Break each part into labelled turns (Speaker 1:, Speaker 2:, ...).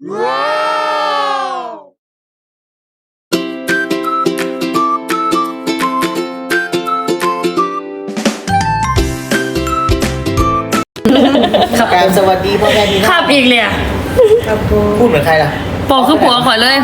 Speaker 1: การสวัสดีพ่อแม่พี่น้อง
Speaker 2: ขับอีกเลยอะ
Speaker 1: พูดเหมือนใครล่ะ
Speaker 2: บอกคือผัวข่อยเลย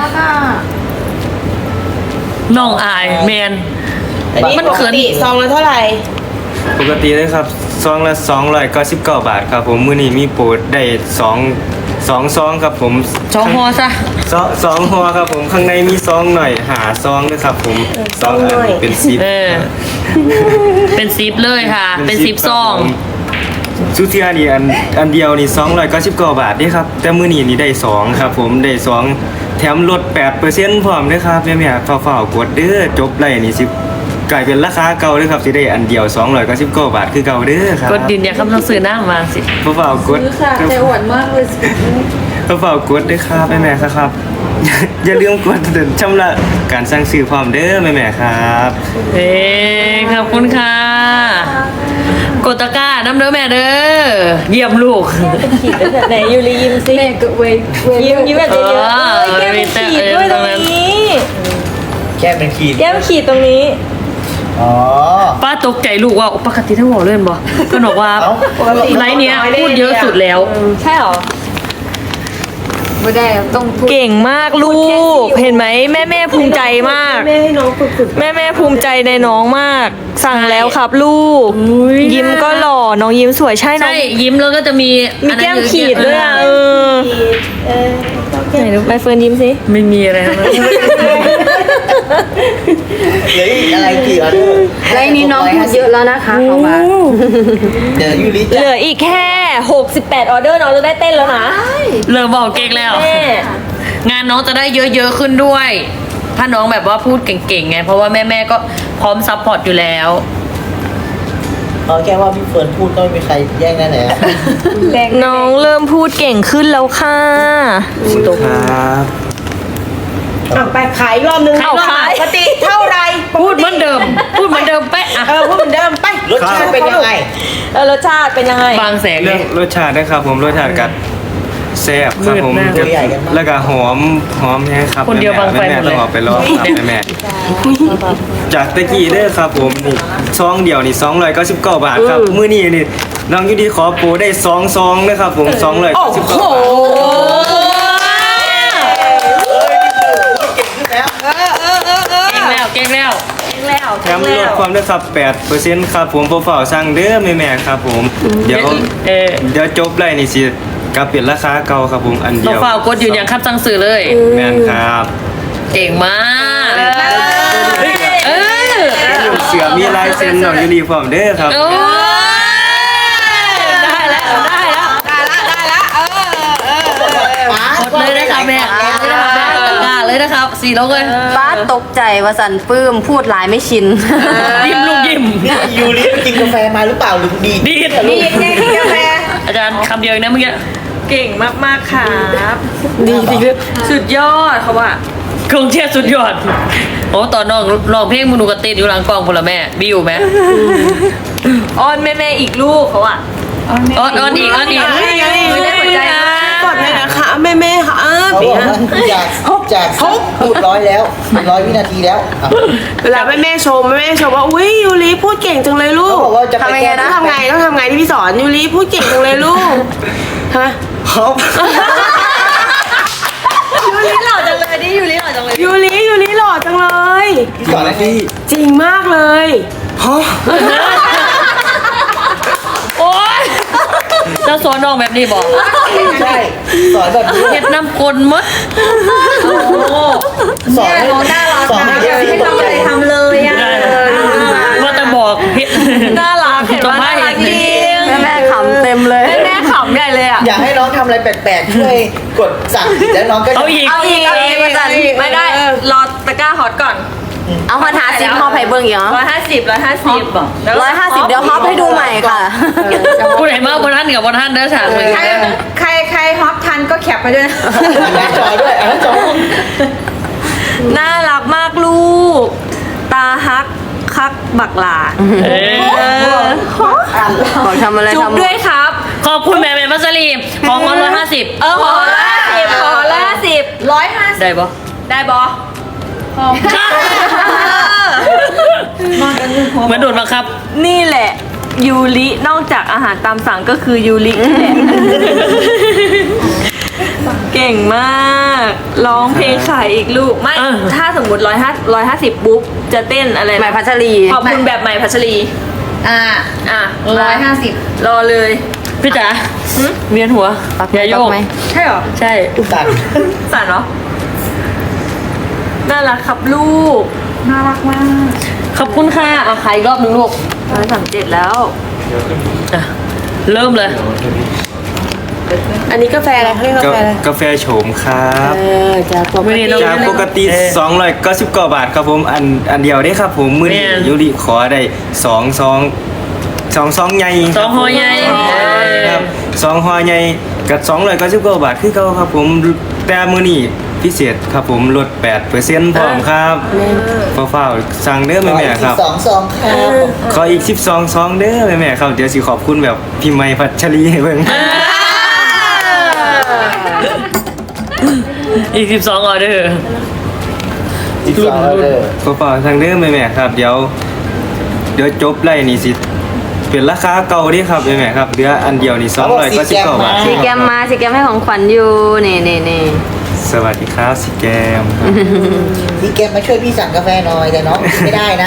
Speaker 2: น้องอายแมนมันเขิน
Speaker 3: ซองละเท่าไหร่
Speaker 4: ปกติเลยครับซองละ299 บาทครับผมมื้อนี้มีโปรดได้2ซองครับผม
Speaker 2: จองฮอซะ
Speaker 4: สองห่อครับผมข้างในมีซองหน่อยหาซองด้วยครับผมซองอันเป็นซิป
Speaker 2: เป็นซิปเลยค่ะ เป็นซิปซอง
Speaker 4: ซูเทียนี่อันเดียวนี่299 บาทนี่ครับแต่มื้อนี้นี่ได้2ครับผมได้2แถมลด 8% พร้อมด้วยครับแม่ๆฝ้าวๆกดเด้อจบไล่นี่สิกลายเป็นราคาเก่าเลยครับสิได้อันเดียว299 บาทคือเก่าเด้อครับ
Speaker 2: กดดินเนี่ยคำต้องซื้อหน้ามาสิ
Speaker 4: ฝ้าวๆกด
Speaker 3: ซื้อค่ะแต่หวานมากเลย
Speaker 4: ฝ้าวๆกดด้วยครับแม่ๆครับ อย่าลืมกดชำระการสั่งซื้อพร้อมเด้อแม่ๆครับ
Speaker 2: ขอบคุณค่ะ กดตะกร้าน้ำเด้อแม่เด้อเยี่ยมลูก
Speaker 3: ขีดแบบไหนยูริยิ้มสิแม่ก็เวยิ้มแบบเยอะๆแก้มเป็นขีดด้วยตรงนี้
Speaker 1: แค่เป็นขีด
Speaker 3: แก้มขีดตรงนี้
Speaker 1: อ๋อ
Speaker 2: ป้าตกใจลูกว่าปกติทั้งหัวเล่นบ่ก็บอกว่า
Speaker 1: เอ้า
Speaker 2: ไลน์เนี้ยพูดเยอะสุดแล้ว
Speaker 3: ใช่หรอ
Speaker 5: ไม่ได้ต้องพูด
Speaker 3: เก่งมากลูก เห็นไหมแม่ภูมิใจมาก
Speaker 5: แม่ให้น้องฝึก
Speaker 3: แม่ภูมิใจในน้องมาก สั่งแล้วครับลูก ยิ้มก็หล่อน้องยิ้มสวยใช่น้อ
Speaker 2: ใช่
Speaker 3: ง
Speaker 2: ยิ้มแล้วก็จะมี
Speaker 3: มีแก้มขีดด้วยอ่ะไหนดูใบเฟิร์นยิ้มสิ
Speaker 2: ไม่มีอะไรทั้งนั้น
Speaker 1: เหลืออีกอะไรกี่ออเดอร์
Speaker 5: ไรนี้น้องพูดเยอะแล้วนะคะเขาว่า
Speaker 1: เดี๋ยวยูริ
Speaker 3: เหลืออีกแค่ 68 ออเดอร์น้องจะได้เต้นแล้วนะ
Speaker 2: เริ่มบอกเก่งแล้ว
Speaker 3: แม่
Speaker 2: งานน้องจะได้เยอะๆขึ้นด้วย ถ้าน้องแบบว่าพูดเก่งๆไง เพราะว่าแม่ๆก็พร้อมซัพพอร์ตอยู่แล้ว
Speaker 1: เอาแค่ว่าพี่เฟิร์นพูดก็ไม่มีใครแย่งได้แล้ว
Speaker 3: น้องเริ่มพูดเก่งขึ้นแล้วค่ะ
Speaker 4: ครับ
Speaker 5: ไปขายรอบนึง
Speaker 2: เอาขาย
Speaker 5: ปกติเท่าไร
Speaker 2: พูดเหมือนเดิม พูดเหมือนเดิมเป๊ะอะ
Speaker 5: พูดเหมือนเดิมไป
Speaker 1: รสชาติเป็นยังไง
Speaker 3: รสชาติเป็นยังไง
Speaker 2: บางแสง
Speaker 4: เรื่องรสชาตินะครับผมรสชาติกัดแซ่บครับผม
Speaker 2: มืดมาก
Speaker 1: ตัวใหญ่กันมาก
Speaker 4: แล้วก็หอมแห้งครับ
Speaker 2: คนเดียวบางไฟ
Speaker 4: แม่
Speaker 2: หมดเลย
Speaker 4: ต้องออกไปลองครับแม่จากตะกี้เด้อครับผมนี่ซองเดียวนี่299 บาทครับมื้อนี้นี่น้องยูดีขอโปรได้2ซองนะครับผม299 บาท
Speaker 2: เก่งแล้ว
Speaker 4: แถมลดความได้ครับ 8%ครับผมเฝ้าๆสั่งเด้อแม่ๆครับผม เดี๋ยวจบไล่นี่สิกลับเปลี่ยนราคาเก่าครับผมอันเดียว
Speaker 2: เฝ้ากดอยู่อย่างครับสั่งสื่อเลย
Speaker 4: แม่นครับ
Speaker 2: เก่งมากเออ
Speaker 4: เสือมีลายเซ็นน้องยูนิฟอร์มเด้อครับ
Speaker 2: โอ้ได้แล้วกดเลยนะครับแม่กล้าเลยนะครับ4โลเลย
Speaker 5: ป้าตกใจว่าสันปื้มพูดหลายไม่ชิน
Speaker 2: ยิ้มลูกยิ้ม
Speaker 1: นี่ยูริกินกาแฟมาหรือเปล่าหรือดีด
Speaker 2: ดีด
Speaker 5: นี่ไงกาแฟ
Speaker 2: อาจารย์คำเดียวเองนะเมื่อกี้
Speaker 3: เก่งมากๆครับดีจริงสุดยอดเขาว่า
Speaker 2: กองเชียร์สุดยอดโอ้ตอนน้องร้องเพลงมึงดูกระติดอยู่หลังกล้องพลแม่มีอยู่ไหม
Speaker 3: อ้อนแม่อีกลูกเขาอ่ะ
Speaker 2: อ้อนอีก
Speaker 3: ไม่ได้หัวใจนะ
Speaker 5: กดเลยนะคะแม่ค่ะ
Speaker 1: เขาบอกว่าจากพูด100แล้ว100 วินาทีแล้วอ่ะ
Speaker 5: เวลาแม่ชมว่าอุ้ยยูริพูดเก่งจังเลยลู
Speaker 1: เขา
Speaker 5: ก
Speaker 1: บอกว่าจะไป
Speaker 5: ทำยัง
Speaker 1: แก้
Speaker 5: ไงนะทำไงที่พี่สอนยูริพูดเก่งจังเลยลูกฮะ
Speaker 1: เขา
Speaker 3: ยูริหล่อจังเลยดิยูริหล่อจังเลย
Speaker 5: ยูริหล่อจังเลย
Speaker 1: ก่อนนะพี่
Speaker 5: จริงมากเลย
Speaker 2: โอ๊ยจะสอนน้องแบบนี้บอก
Speaker 1: ใช่สอนแบบนี้
Speaker 2: เฮ็ดน้ำกลมด
Speaker 1: สอนให้สอนให้ให้ทำอะไรทำเลย
Speaker 2: ว่าแต่บอกเฮ็ด
Speaker 3: น่ารักเห็นว่าน่ารักจริง
Speaker 5: แม่ขำเต็มเลย
Speaker 3: แม่ขำใหญ่เลยอ่ะ
Speaker 1: อยากให้น้องทำอะไรแปลกๆช่วยกดสั่งแล้วน้องก็จะ
Speaker 2: เอาอีก
Speaker 3: ไม่ได้รอตะกร้าฮอตก่อน
Speaker 5: เอาฮอต50ฮอตไผ่เบิ้งอีกเหรอ
Speaker 3: 150บอก
Speaker 5: 150เดี๋ยวฮอตให้ดูใหม่ค่ะ
Speaker 2: ผู้ใดมาบนท่านกับบนท่านเด้อฉากเลย
Speaker 3: ใครฮอตทันก็แคปไปด้วยนะ
Speaker 1: หน้าจอด้วยหน้าจอ
Speaker 3: น่ารักมากลูก ตาฮักคักบักหลา
Speaker 5: บอกทำอะไร
Speaker 3: จุ๊บ
Speaker 5: ทำ
Speaker 3: ด้วยครับ
Speaker 2: ขอบคุณแม่เป็นมัสลีของ150
Speaker 3: ขอ150 150
Speaker 2: ได้ปะ
Speaker 3: ได้บอ
Speaker 2: เหมือนโดนบังคับ
Speaker 3: นี่แหละยูรินอกจากอาหารตามสั่งก็คือยูรินี่แหละ เก่งมากร้องเพลงขายอีกลูกไม่
Speaker 2: เออ
Speaker 3: ถ้าสมมติ150ปุ๊บจะเต้นอะไรนะ
Speaker 5: ใหม่พัชรี
Speaker 3: ขอบคุณแบบใหม่พัชรี
Speaker 6: อ่า
Speaker 3: อ่ะ
Speaker 6: 150
Speaker 3: รอเลย
Speaker 2: พี่จ๋าเวียนหัวอย่าโยก
Speaker 5: ไหม
Speaker 3: ใช่เหรอ
Speaker 2: ใช่
Speaker 1: สั่น
Speaker 3: สั่นเหรอน่ารักครับลูก
Speaker 6: น่ารักมาก
Speaker 2: ขอบคุณค่ะอ่ะขายอีกรอบหนึงลูก
Speaker 3: 137แล้ว
Speaker 2: อ่ะเริ่มเลย
Speaker 5: อันนี้กาแฟอะไรเขาเรียกกาแฟอะไร
Speaker 4: กาแฟโฉมครับ
Speaker 5: จากปก
Speaker 2: ไม่ได้
Speaker 5: ติ
Speaker 2: น้อง
Speaker 4: จากปกติ299 บาทครับผมอันเดียวได้ครับผมมื้อนี้
Speaker 2: แม่น
Speaker 4: ยูริขอได้สองซองใหญ่
Speaker 2: สองห่อใหญ่
Speaker 4: ครับสองห่อใหญ่กับ299 บาทคือเก่าครับผมแต่มื้อนี้พิเศษครับผมลด 8%พร้อมครับฟ้าวๆสั่งเด้อ
Speaker 1: ขอ
Speaker 4: แม่
Speaker 1: อีก
Speaker 4: ๆครับ
Speaker 1: 12 ซองครับ
Speaker 4: ขออีก12ซองเด้อแม่ๆครับเดี๋ยวสิขอบคุณแบบพี่ไม้พัชรีให้เบิ่ง
Speaker 2: อีก12ออเดอร์
Speaker 1: 12ออเดอร์
Speaker 4: เปล่าๆทางเด้อแม่ๆครับเดี๋ยวจบไล่นี่สิเป็นราคาเก่าเดิครับแม่ๆครับเหลืออันเดียวนี่299 บาท
Speaker 5: สีแกมมาสีแกมให้ของขวัญอยู่นี่
Speaker 4: สวัสดีครับสิแกมครับ
Speaker 1: พี่แกมมาช่วยพี่สั่งกาแฟหน่อยแต่น้องกินไม่ได้นะ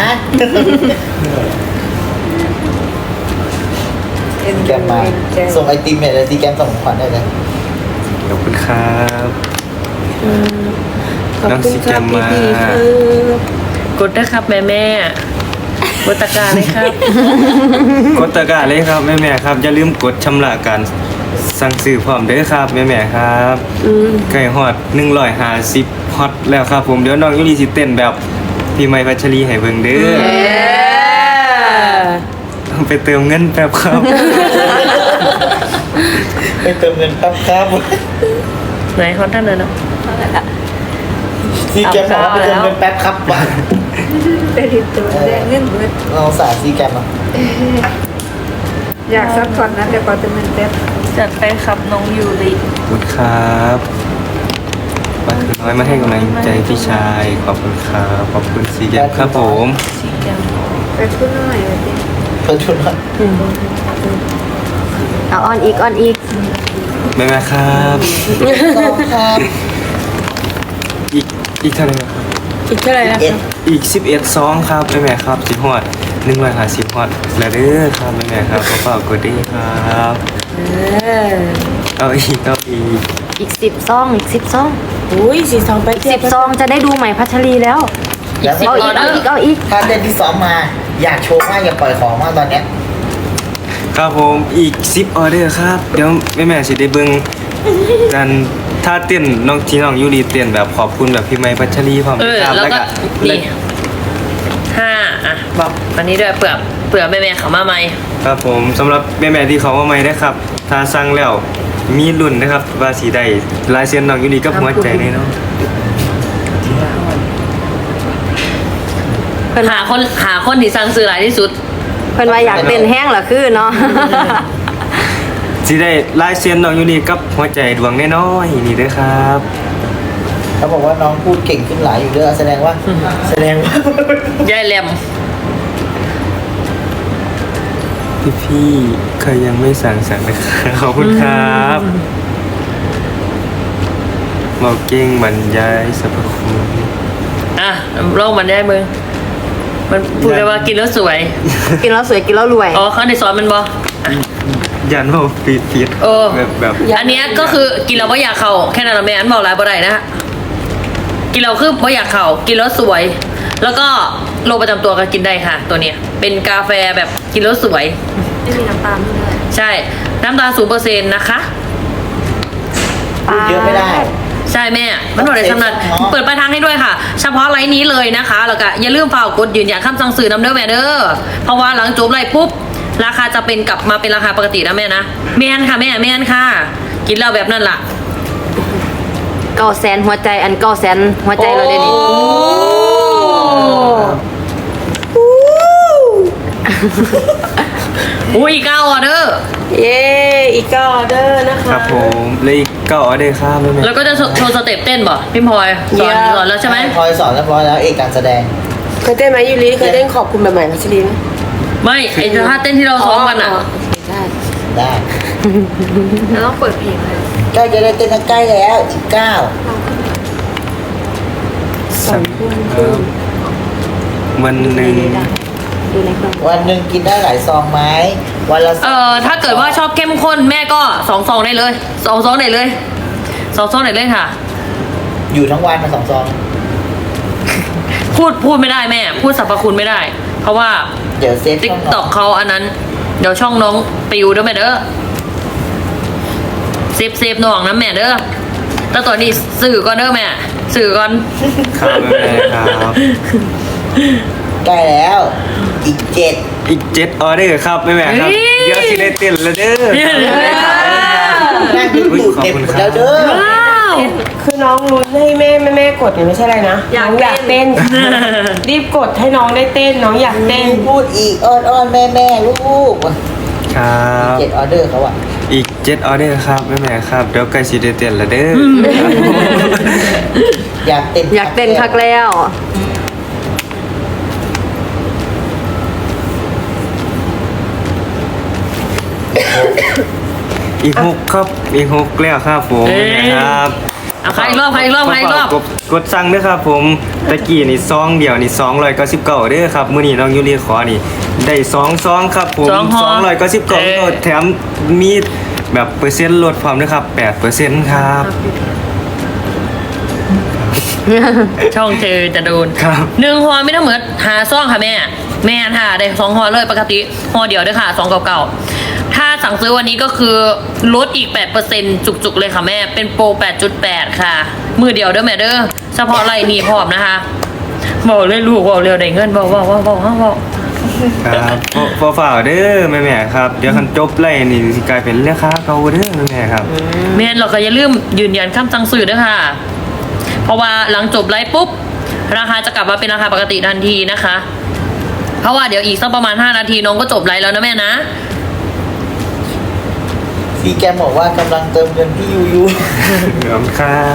Speaker 1: ซีแกมมาส่งไอติมเนี่ยเลยซีแกมส่งของขวัญได้เลย
Speaker 4: ขอบคุณครับ
Speaker 5: ขอบ
Speaker 4: น้อง
Speaker 5: คุณ
Speaker 4: สิ
Speaker 5: ค
Speaker 4: แก
Speaker 5: รับ
Speaker 4: มมา
Speaker 5: พี่ๆครับ
Speaker 2: กดนะครับแม่กดตะกร้าเลยครับ
Speaker 4: กดตะกร้าเลยครับแม่ๆครับอย่าลืมกดชำระการสั่งซื้อพร้อมเด้อครับแม่ๆครับไก่ฮอด150ฮอตแล้วครับผมเดี๋ยวน้องยูริสิเต้นแบบพี่ไม้พัชรีให้เบิ่งเด้อต้องไปเติมเงินแป๊บครับ
Speaker 1: ไปเติมเงินแป๊บครับ
Speaker 2: ไหนคอนท่านเลยเนาะ
Speaker 1: ซีแกมบอกว่าไปเติมเงินแป๊บครับว่ะ
Speaker 6: เป็นตัวแดงเงินเบิด
Speaker 1: เราสาซีแกมอ่ะ
Speaker 6: อยากซักผ่อนนะแต่ก่อนจะเป็นเป๊บ
Speaker 3: จัดไปครับน้องยูริ
Speaker 4: ขอบคุณครับมาคือน้อยมาให้กำลังใจพี่ชายขอบคุณครับขอบคุณสีแกมครับผม
Speaker 6: ไปพูดหน่อยเลยดิ
Speaker 1: เปิดทุนหน่อย
Speaker 5: เอาออนอีก
Speaker 4: แม่ๆครับ
Speaker 1: ซองครับ
Speaker 4: อีกเท่าไหร่ครับ
Speaker 5: อีกเท่าไหร่นะ
Speaker 1: เอ็ด
Speaker 4: อีก11ซองครับแม่ๆครับสิฮอด150ฮอดแล้วเด้อครับแม่ๆครับขอบคุณด้วยครับเอาอีก
Speaker 5: อีก10ซองอีก10ซอง
Speaker 6: อุ้ยสีทองไปเทียบ
Speaker 5: 10ซองจะได้ดูใหม่พัชรีแล้ว
Speaker 1: แล้ว
Speaker 2: 10
Speaker 5: เอาอีก
Speaker 1: ถ้าเต้นที่ซ้อมมา อยากโชว์มากอยากปล่อยของมากตอนเนี้ย
Speaker 4: ครับผมอีก10ออเดอร์ครับเดี๋ยวแม่ๆสิได้เบิ่งกันถ้าเต้นน้องยูรีเต้นแบบขอบคุณแบบพี่ไม้พัชรีพร้อมครับ
Speaker 2: แล้วก็นี่5อ่ะบอกอันนี้ด้วยเผื่อแม่เขามาใหม่
Speaker 4: ครับผมสำหรับแม่ๆที่เขามาใหม่นะครับถ้าสั่งแล้วมีรุ่นนะครับว่าสีใดลายเซ็นน้องยูรีกับหัวใจแน่นอน
Speaker 2: หาคนที่สั่งซื้อหลายที่สุด
Speaker 5: เพิ่นว่าอยากเต้นแห้งเหรอคือเนาะ
Speaker 4: สีได้ลายเซ็นน้องยูรีกับหัวใจดวงน้อยๆนี่เด้อครับ
Speaker 1: เขาบอกว่าน้องพูดเก่งขึ้นหลายอยู่เด้อแสดงว่า
Speaker 2: ยายแหลม
Speaker 4: พี่ๆใครยังไม่สั่งนะครับขอบคุณครับบอกเก่งบรรยายสรรพคุณ
Speaker 2: อ่ะโรคมันได้มึงมันพูดเลยว่ากินแล้วสวย
Speaker 5: กินแล้วสวยกินแล้วรวย
Speaker 2: อ๋อเขาในซอยมันบอ
Speaker 4: ยันบอกฟีด
Speaker 2: เออ
Speaker 4: แบบ
Speaker 2: อันเนี้ยก็คือกินแล้วว่าอยากเข่าแค่นั้นแม่อันบอกหลายบ่ได้นะฮะกินแล้วคือว่าอยากเข่ากินแล้วสวย แล้วก็โรคประจำตัวก็กินได้ค่ะ ตัวเนี้ยเป็นกาแฟแบบกินแล้วสวย
Speaker 6: ไม่มีน้ำตาลด้วย
Speaker 2: ใช่น้ำตาล0%นะคะ
Speaker 1: พูดเยอะไม่ได้
Speaker 2: ใช่แม่มันหมดเลยสำนักเปิดปลายทางให้ด้วยค่ะ เฉพาะไลน์นี้เลยนะคะแล้วก็อย่าลืมฝากกดยืนยันคำสั่งซื้อนำเด้อแม่เด้อเพราะว่าหลังจบไลน์ปุ๊บราคาจะเป็นกลับมาเป็นราคาปกตินะแม่นะแม่นค่ะแม่นค่ะ กินแล้วแบบนั้นล่ะ
Speaker 5: 900,000หัวใจอัน900,000หัวใจเราเดี๋ยวนี้
Speaker 2: อุ้ย9ออเดอร์
Speaker 5: เย้อีก9ออเดอร์นะ
Speaker 4: ค
Speaker 5: คะ
Speaker 4: รับผมเลย9ออเดอร์ครับแม่
Speaker 2: แล้วก็จะโชว์สเต็ปเต้นบ่พี่พลอยสอนแล้วใช่ไหม
Speaker 1: พลอยสอนเรียบร้อยแล้วเอกการแสดง
Speaker 5: เคยเต้นไหมยูริเคยเต้นขอบคุณแบบใหม่พัชรีไหม
Speaker 2: ไม่ไอ้ท่าเต้นที่เราซ้อมกันอ่ะ
Speaker 5: ใช่
Speaker 1: ได้
Speaker 3: แล้วต้องเปิดเพลงเลย
Speaker 1: ใกล้จะได้เต้นใกล้แล้ว19
Speaker 4: สั่งครับวันหนึ่ง
Speaker 1: วันหนึ่งกินได้หลายซองไหมวันละ
Speaker 2: ถ้าเกิดว่าชอบเข้มข้นแม่ก็2 ซองได้เลย2 ซองได้เลย2 ซองได้เลยค่ะ
Speaker 1: อยู่ทั้งวันมา2 ซอง
Speaker 2: พูดไม่ได้แม่ พูดสรรพคุณไม่ได้ เพราะว่า
Speaker 1: เดี๋ยวเซฟ
Speaker 2: ติ๊ก
Speaker 1: ช่อง
Speaker 2: ตอกเขาอันนั้น เดี๋ยวช่องน้องปิวเด้อแม่เด้อเซฟน้องนะแม่เด้อแต่ตอนนี้สื่อก่อนเด้อแม่สื่อก่อน
Speaker 4: ครับแม่ครับ
Speaker 1: ใกล้แล้วอีก7
Speaker 4: อีก7ออเดอร์ครับแม่ครับเดี๋ยวสิได้เต้นแล้วเด้อ
Speaker 1: นั่งดูเต็มหมดแล้วเด้อ
Speaker 2: ว้าว
Speaker 5: คือน้องลุ้นให้แม่กดเนี่ยไม่ใช่อะไรนะน้องอยากเต้น รีบกดให้น้องได้เต้นน้องอยากเต้น
Speaker 1: พูดอีกอ้อนแม่ลูก
Speaker 4: ครับ
Speaker 1: 7 ออเดอร์เขาอะ
Speaker 4: อีก7ออเดอร์ครับแม่ครับเดี๋ยวใกล้สิได้เต้นแล้วเด้อ
Speaker 1: อยากเต้น
Speaker 3: อยากเต้นคักแล้ว
Speaker 4: อีก6ครับอีก6แล้วครับผมแม่ครับ
Speaker 2: เอาใครอีกรอบ
Speaker 4: กดสั่งด้วยครับผมตะกี้นี่ซองเดียวนี่299เด้อครับมื้อนี้น้องยูรีขอนี่ได้2ซองครับผม 299แถมมีแบบเปอร์เซ็นต์ลดพร้อมด้วยครับ 8% ครับ
Speaker 2: ช่องเจอจะโดน
Speaker 4: ครับ
Speaker 2: 1 ห่อไม่ต้องเหมือนหาซ่องค่ะแม่ค่ะได้2 ห่อเลยปกติห่อเดียวด้วยค่ะ299ถ้าสั่งซื้อวันนี้ก็คือลดอีก 8% จุกๆเลยค่ะแม่เป็นโปร 8.8 ค่ะ มือเดียวเด้อแม่เด้อเฉพาะไรนี่พร้อมนะคะบอกเลยลูกบอกเร็วได้เงินบอก
Speaker 4: ครับฝ่าเด้อแม่ๆครับเดี๋ยวคันจบไล่นี่สิกลายเป็นราคาเก่าเด้อแม่ครับ
Speaker 2: แม่เราก็อย่าลืมยืนยันคำสั่งซื้อด้วยค่ะ เพราะว่าหลังจบไลฟ์ปุ๊บราคาจะกลับมาเป็นราคาปกติทันทีนะคะ เพราะว่าเดี๋ยวอีกสักประมาณ5 นาทีน้องก็จบไลฟ์แล้วนะแม่นะ
Speaker 1: ซีแกมบอกว่ากำลังเติมเงินที่ยู
Speaker 4: ขอบคุณครับ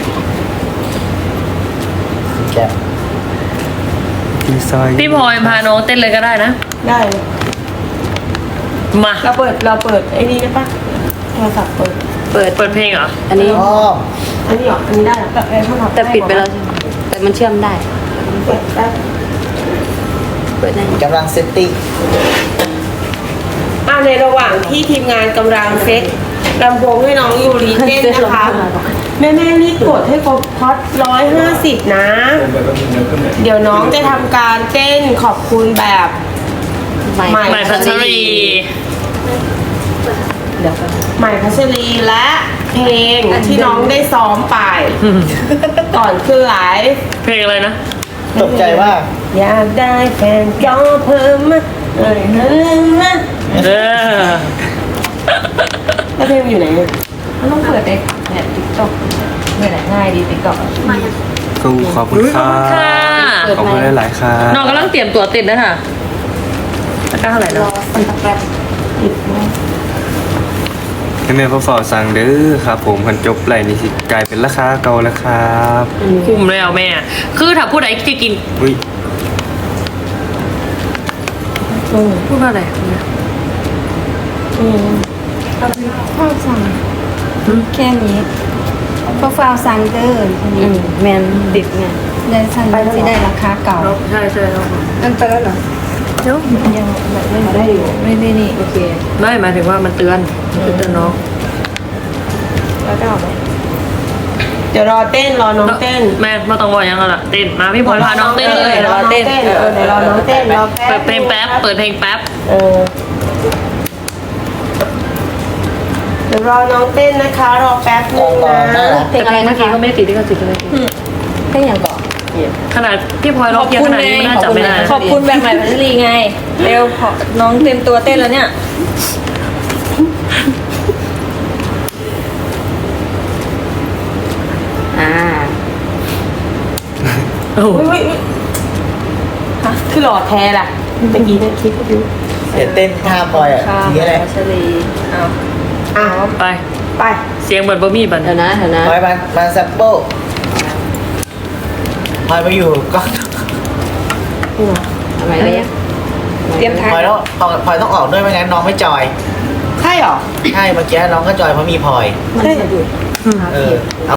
Speaker 1: ซีแกม
Speaker 4: ที่ซอย
Speaker 2: พี่พลอยพาน้องเต้นเลยก็ได้นะ
Speaker 5: ได้เลย
Speaker 2: มา
Speaker 5: เราเปิดไอ้นี่ได้ปะโทรศัพท์เปิด
Speaker 2: เปิดเพลงเหรอ
Speaker 3: อันนี้
Speaker 1: อ้อม
Speaker 5: อันนี้เหรออันนี้ได้เหรอแบบไอ้โทรศัพท์
Speaker 3: แต่ปิดไปแล้วใช่ไหมแต่มันเชื่อมได้
Speaker 5: เปิดได้
Speaker 3: เปิดได้
Speaker 1: กำลังเซตติ้ง
Speaker 5: ในระหว่างที่ทีมงานกำลังเซ็ตลำโพงให้น้องยูริเต้นนะคะแม่รีบกดให้ครบพอด150นะ เดี๋ยวน้องจะทำการเต้นขอบคุณแบบ
Speaker 3: ไม่
Speaker 5: ใหม่
Speaker 2: ใหม่พัชรี
Speaker 5: ใหม่พัชรีและเพลงที่น้องได้ซ้อมไป ก่อนขึ้นไลฟ์
Speaker 2: เพลงอะไรนะ
Speaker 1: ตกใจว่า
Speaker 5: อยากได้แฟนก็เพิ่มมานะ
Speaker 2: เออ
Speaker 5: แล้วเพลงอยู่ไหนเนี่ย
Speaker 3: มันต้องเปิดเลยเนี่ยติ๊กต็อกเนี่ยแหละง่ายดีติ๊กต็อก
Speaker 4: ขอบคุณครั
Speaker 2: ค่ะ
Speaker 4: บขอบคุณหลายๆครับ
Speaker 2: น้องกำลังเตรียมตัวติดนะค่ะตะกร้าเท่าไหร่นะ
Speaker 4: แม่พ่อฝ่าสั่งเด้อครับผมคันจบไล่นี่สิกลายเป็นราคาเก่าแล้วครับ
Speaker 2: คุ้มแล้วแม่ คือถ้าผู้ใดจะกิน
Speaker 4: อุ้ย
Speaker 2: พูดว่าอะไร
Speaker 6: ข้าวสั่งแค่นี้ก็ฟาวสั่งเด้อ
Speaker 3: แมนดิบไง
Speaker 6: เดินสั่งที่ได้ราคาเก่า
Speaker 2: ใช่ครับ
Speaker 6: นั่นไปแล้วเหรอเดี๋ยวยังแบบไม่ได้อยู่ไม่ได้นี่โอเค
Speaker 2: ไม่หมายถึงว่ามันเตือนน้อง
Speaker 6: แล้วก็เอาไป
Speaker 5: เดี๋ยวรอน้องเต้น
Speaker 2: แม่ไม่ต้องบอกยังไงล่ะเต้นมาพี่พลอยพาน้องเต้นเลย
Speaker 5: เดี๋ยวรอเต้นเดี๋ยวรอน้องเต้นรอ
Speaker 2: เปิดเพลงแป๊บเปิดเพลงแป๊บ
Speaker 5: เดี๋ยวรอน้องเต้นนะคะรอแป๊บนึงนะ
Speaker 3: เพลงอะไร
Speaker 2: เมื่
Speaker 3: นะ
Speaker 2: อกี้
Speaker 3: คะ
Speaker 2: ก็ไม่ติดที่ก็ติดเลย
Speaker 3: เพลงอย่างก่อน
Speaker 2: ขนาดพี่พลอยร้องเยอะขนาดนี้ไม่น่าจำไม่ได้
Speaker 3: ขอบคุณแบบใหม่พัชรีไงเร็วขอน้องเต็มตัวเต้นแล้วเนี่ย
Speaker 2: โอ้
Speaker 5: อุ้ยฮะคือหล่อแท้ล่ะเมื่อกี้เนี่ยคิดดู
Speaker 1: เดี๋ยวเต้นท่าพลอยอ่ะทีอะไร
Speaker 3: พัชรีเอา
Speaker 5: อ่ะ
Speaker 2: ไป
Speaker 5: ไป
Speaker 2: เสียงเหมือนบะหมี่บัน
Speaker 3: เดี๋ยวนะ
Speaker 1: พลอยมาแซมเปิลพลอยมาอยู่ก็
Speaker 3: ทำไมเลย
Speaker 5: เตรียมทาน
Speaker 1: พลอยต้องออกด้วยไม่งั้นน้องไม่จอย
Speaker 5: ใช่หรอ
Speaker 1: ใช่เมื่อกี้น้องก็จอยเพราะมีพลอย
Speaker 6: มันสะดุด
Speaker 1: เอา